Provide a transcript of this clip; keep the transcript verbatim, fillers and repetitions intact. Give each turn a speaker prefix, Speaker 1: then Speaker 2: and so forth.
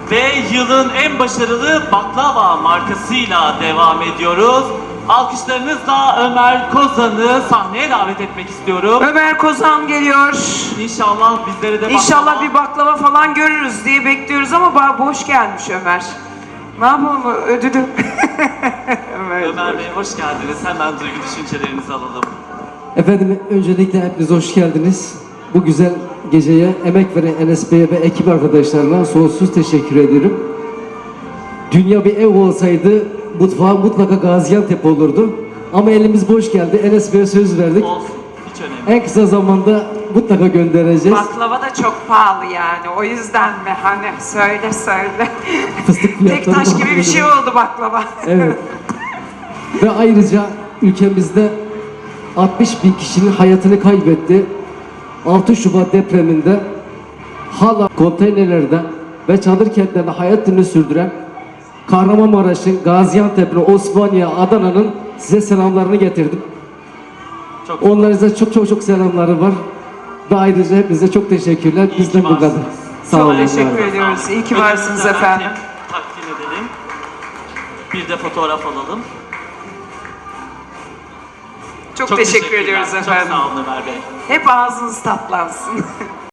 Speaker 1: Ve yılın en başarılı baklava markasıyla devam ediyoruz. Alkışlarınızla Ömer Kozan'ı sahneye davet etmek istiyorum.
Speaker 2: Ömer Kozan geliyor.
Speaker 1: İnşallah bizlere de
Speaker 2: İnşallah
Speaker 1: baklava...
Speaker 2: bir baklava falan görürüz diye bekliyoruz ama ba- boş gelmiş Ömer. Ne yapalım ödülü? Ömer,
Speaker 1: Ömer Bey hoş geldiniz. Hemen duygu düşüncelerinizi alalım.
Speaker 3: Efendim öncelikle hepiniz hoş geldiniz. Bu güzel geceye emek veren Enes Bey'e ve ekip arkadaşlarına sonsuz teşekkür ediyorum. Dünya bir ev olsaydı mutfağı mutlaka Gaziantep olurdu. Ama elimiz boş geldi. Enes Bey'e söz verdik.
Speaker 1: Olsun. Hiç önemli.
Speaker 3: En kısa zamanda mutlaka göndereceğiz.
Speaker 2: Baklava da çok pahalı yani. O yüzden mi? Hani söyle söyle.
Speaker 3: Fıstık
Speaker 2: Tek
Speaker 3: fiyatları
Speaker 2: taş
Speaker 3: da
Speaker 2: gibi bir şey
Speaker 3: öyle.
Speaker 2: oldu baklava.
Speaker 3: Evet. Ve ayrıca ülkemizde altmış bin kişinin hayatını kaybetti. altı Şubat depreminde hala konteynerlerde ve çadır kentlerde hayatını sürdüren Kahramanmaraş'ın, Gaziantep'in, Osmaniye, Adana'nın size selamlarını getirdim.
Speaker 1: Çok
Speaker 3: Onlara çok çok çok selamları var. Ve ayrıca hepinize çok teşekkürler.
Speaker 1: İyi
Speaker 3: Bizden
Speaker 1: ki
Speaker 3: bu kadar.
Speaker 1: varsınız.
Speaker 3: Sağ
Speaker 2: Çok
Speaker 3: olun.
Speaker 2: teşekkür
Speaker 3: var olun.
Speaker 2: ediyoruz. İyi ki
Speaker 1: Ödülümüzü
Speaker 2: varsınız
Speaker 1: hemen
Speaker 2: efendim.
Speaker 1: Takdim edelim. Bir de fotoğraf alalım.
Speaker 2: Çok, teşekkür
Speaker 1: teşekkürler.
Speaker 2: ediyoruz
Speaker 1: Çok
Speaker 2: efendim.
Speaker 1: sağ olun Ömer Bey.
Speaker 2: Hep ağzınız tatlansın.